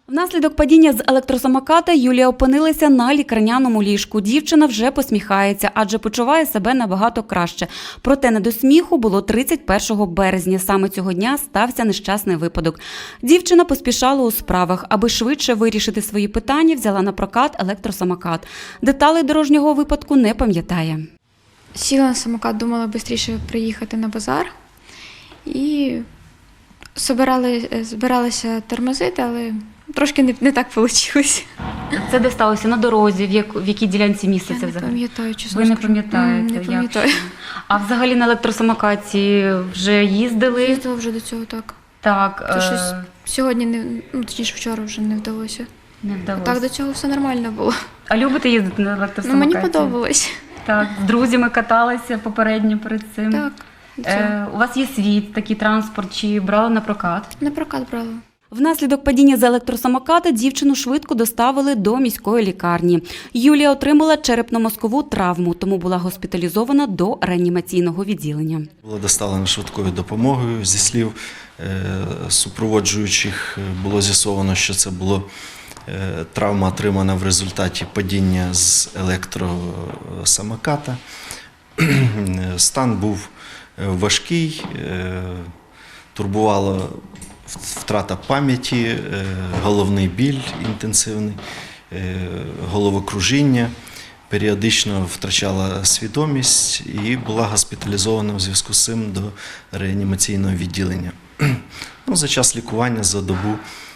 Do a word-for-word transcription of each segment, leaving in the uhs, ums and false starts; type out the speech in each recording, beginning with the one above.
Внаслідок падіння з електросамоката Юлія опинилася на лікарняному ліжку. Дівчина вже посміхається, адже почуває себе набагато краще. Проте не до сміху було тридцять першого березня. Саме цього дня стався нещасний випадок. Дівчина поспішала у справах. Аби швидше вирішити свої питання, взяла на прокат електросамокат. Деталей дорожнього випадку не пам'ятає. Сіла на самокат, думала швидше приїхати на базар. І збирали, збиралися тормозити, але трошки не, не так вийшло. Це де сталося? На дорозі? В, як, в якій ділянці місця це взагалі? Я не пам'ятаю, чесно. Ви не пам'ятаєте? Не пам'ятаю. А взагалі на електросамокаті вже їздили? Їздила вже до цього, так. Так. То е... щось сьогодні, не, ну точніше вчора вже не вдалося. Не вдалося. А так до цього все нормально було. А любите їздити на електросамокаті? Ну, мені подобалось. Так, з друзями каталися попередньо перед цим? Так. Е, у вас є свій такий транспорт, чи брали на прокат? На прокат брала. Внаслідок падіння з електросамоката дівчину швидко доставили до міської лікарні. Юлія отримала черепно-мозкову травму, тому була госпіталізована до реанімаційного відділення. Була доставлена швидкою допомогою. Зі слів супроводжуючих було з'ясовано, що це була травма, отримана в результаті падіння з електросамоката. Стан був важкий, турбувала втрата пам'яті, головний біль інтенсивний, головокружіння, періодично втрачала свідомість і була госпіталізована в зв'язку з цим до реанімаційного відділення. Ну, за час лікування, за добу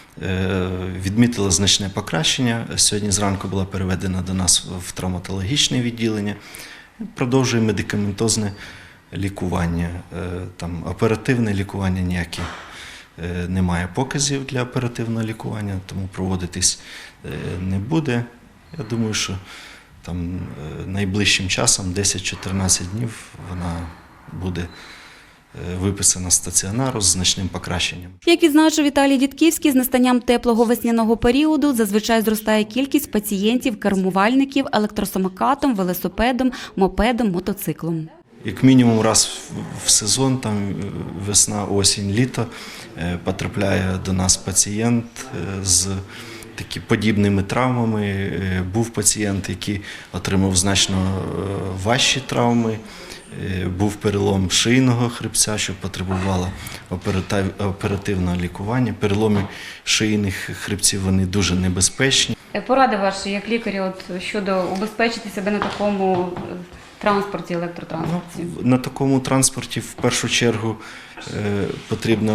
відмітила значне покращення. Сьогодні зранку була переведена до нас в травматологічне відділення. Продовжує медикаментозне лікування. Там оперативне лікування ніяке немає показів для оперативного лікування, тому проводитись не буде. Я думаю, що там найближчим часом, десять-чотирнадцять днів, вона буде виписана з стаціонару з значним покращенням. Як відзначив Віталій Дідківський, з настанням теплого весняного періоду зазвичай зростає кількість пацієнтів-кермувальників електросамокатом, велосипедом, мопедом, мотоциклом. Як мінімум раз в сезон, там весна, осінь, літо, потрапляє до нас пацієнт з такі подібними травмами. Був пацієнт, який отримав значно важчі травми, був перелом шийного хребця, що потребувало оперативного лікування. Переломи шийних хребців, вони дуже небезпечні. Поради ваші, як лікаря, от, щодо убезпечити себе на такому транспорті, електротранспорті? Ну, на такому транспорті в першу чергу е, потрібна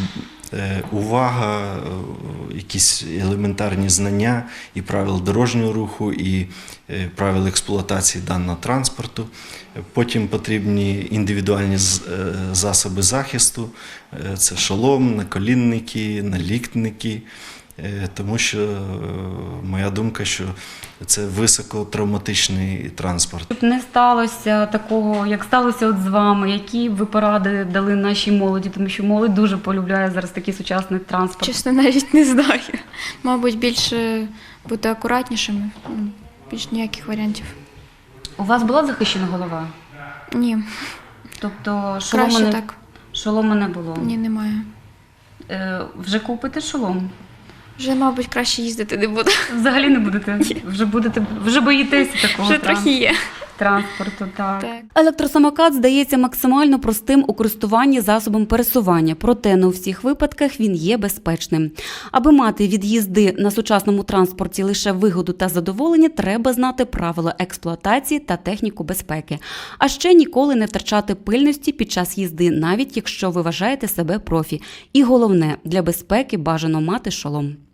е, увага, е, якісь елементарні знання і правил дорожнього руху, і е, правил експлуатації даного транспорту. Потім потрібні індивідуальні з, е, засоби захисту, е, це шолом, наколінники, наліктники. Тому що моя думка, що це високотравматичний транспорт. Щоб не сталося такого, як сталося от з вами, які ви поради дали нашій молоді, тому що молодь дуже полюбляє зараз такий сучасний транспорт. Чесно, навіть не знаю. Мабуть, більше бути акуратнішими, більш ніяких варіантів. У вас була захищена голова? Ні. Тобто шолому Краще не, так. шолому не було? Ні, немає. Е, вже купите шолом? Вже, мабуть, краще їздити не буду. Взагалі не будете? Вже будете, вже боїтеся такого Вже трохи є. транспорту, так. Так. Електросамокат здається максимально простим у користуванні засобом пересування, проте не у всіх випадках він є безпечним. Аби мати від їзди на сучасному транспорті лише вигоду та задоволення, треба знати правила експлуатації та техніку безпеки. А ще ніколи не втрачати пильності під час їзди, навіть якщо ви вважаєте себе профі. І головне, для безпеки бажано мати шолом.